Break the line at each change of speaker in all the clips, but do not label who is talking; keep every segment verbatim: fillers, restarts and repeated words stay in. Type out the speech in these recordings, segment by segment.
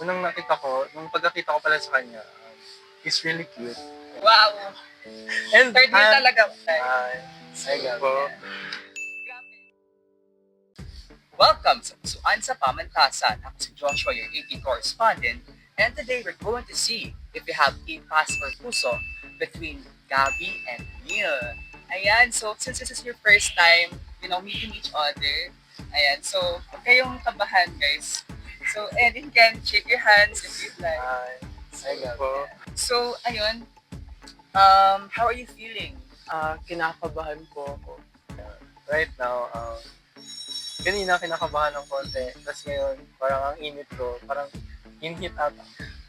unang nakita ko, nung pagkakita ko pala sa kanya, um, he's really cute.
Wow!
And,
Third year
ah,
talaga.
Ay, ay, po.
Grabe. Welcome sa Pusuan sa Pamantasan. Ako si Joshua, your A P correspondent. And today we're going to see if we have a pass or puso between Gabby and Neil. Ayan, so since this is your first time, you know, meeting each other, ayan, so huwag kayong kabahan, guys. So, and you can shake your hands if you'd like.
Ay, ay, po.
So, ayun, um, how are you feeling?
Ah, kinakabahan po ako.
Right now, um, kanina kinakabahan ng konti. Tapos ngayon, parang ang init ko. Parang inhit ata.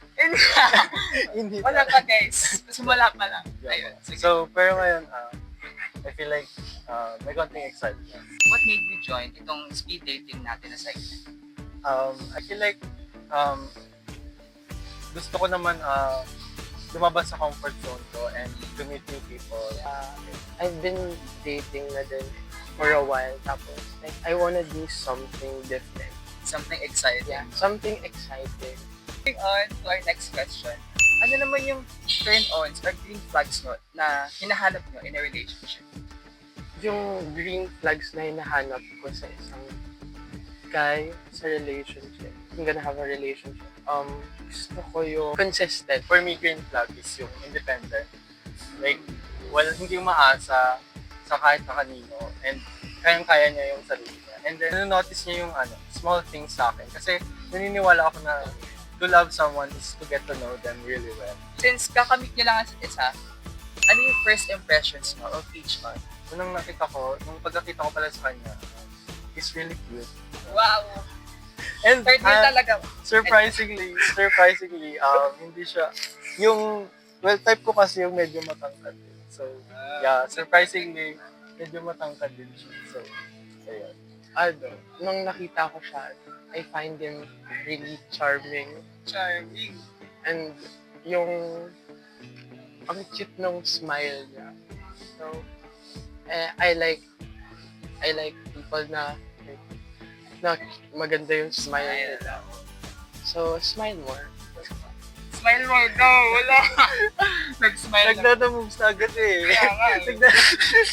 Inhit
Wala
ata.
pa, guys. Sumala pa lang. Ayun, sige.
So, pero ngayon, uh, I feel like uh, may konting excitement.
What made you join itong speed dating natin na segment?
Um, I feel like um, gusto ko naman uh, lumabas sa comfort zone ko and to meet new people.
Ah, I've been dating na din for a while. Tapos, like, I wanna do something different.
Something exciting.
Yeah, something exciting.
Moving on to our next question. Ano naman yung turn-ons or green flags mo na hinahanap nyo in a relationship?
Yung green flags na hinahanap ko sa isang guy sa relationship. I'm gonna have a relationship. Um, gusto ko yung consistent.
For me, green flag is yung independent. Like, well, hindi umaasa sa kahit na kanino and kayang-kaya niya yung sarili niya. And then, notice niya yung ano, small things sa akin. Kasi naniniwala ako na to love someone is to get to know them really well.
Since kakamit nyo lang ang isa, ano yung first impressions mo of each one?
Unang nakita ko, nung pagkakita ko pala sa kanya, um, he's really cute.
Wow!
And
Third year
ah,
talaga.
surprisingly, surprisingly, um, hindi siya, yung, well, type ko kasi yung medyo matangkad din. So, yeah, surprisingly, medyo matangkad din siya. So, ayun.
Ano, nung nakita ko siya, I find him really charming.
Charming.
And yung ang cute nung smile niya. So, eh, I like I like people na na maganda yung smile nila. So, smile more.
Smile more daw. Wala. Nag-smile lang.
Nagdadamoves na agad eh.
Kaya nga eh.
Nagda-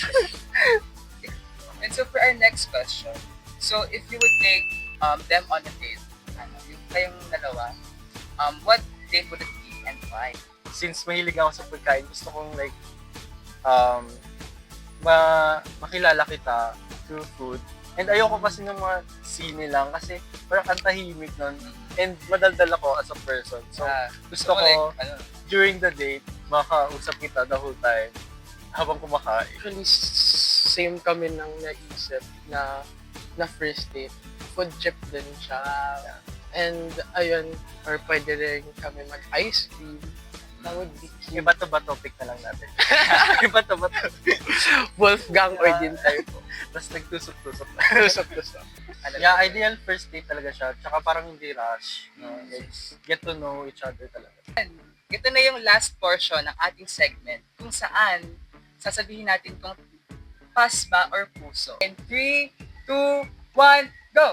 And so for our next question, so if you would take um, them on a date, ano, yung kayong dalawa, um, what date would it be and why?
Since mahilig ako sa pagkain, gusto kong like, um, ma makilala kita through food. And ayoko kasi ng mga sine lang kasi parang ang tahimik nun. And madaldal ako as a person. So,
Ah,
gusto ko,
like, ano,
during the date, makausap kita the whole time habang kumakain.
Actually, s- same kami nang naisip na na first date. Food trip din siya. And ayun, or pwede rin kami mag-ice cream. That would be cute.
Iba to ba topic na lang natin? Iba to ba topic?
Wolfgang or din tayo.
Tapos nagtusok-tusok.
Tusok-tusok.
ano
Yeah, ideal first date talaga siya. Tsaka parang hindi rush. No? Like, get to know each other talaga.
Ito na yung last portion ng ating segment kung saan sasabihin natin kung pass ba or puso. In three, two, one, go!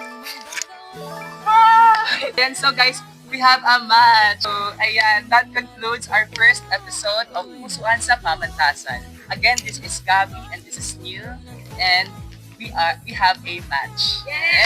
Ah! And so guys, we have a match. So ayan, that concludes our first episode of Pusuan sa Pamantasan. Again, this is Gabby and this is Neil and we are we have a match. Yay!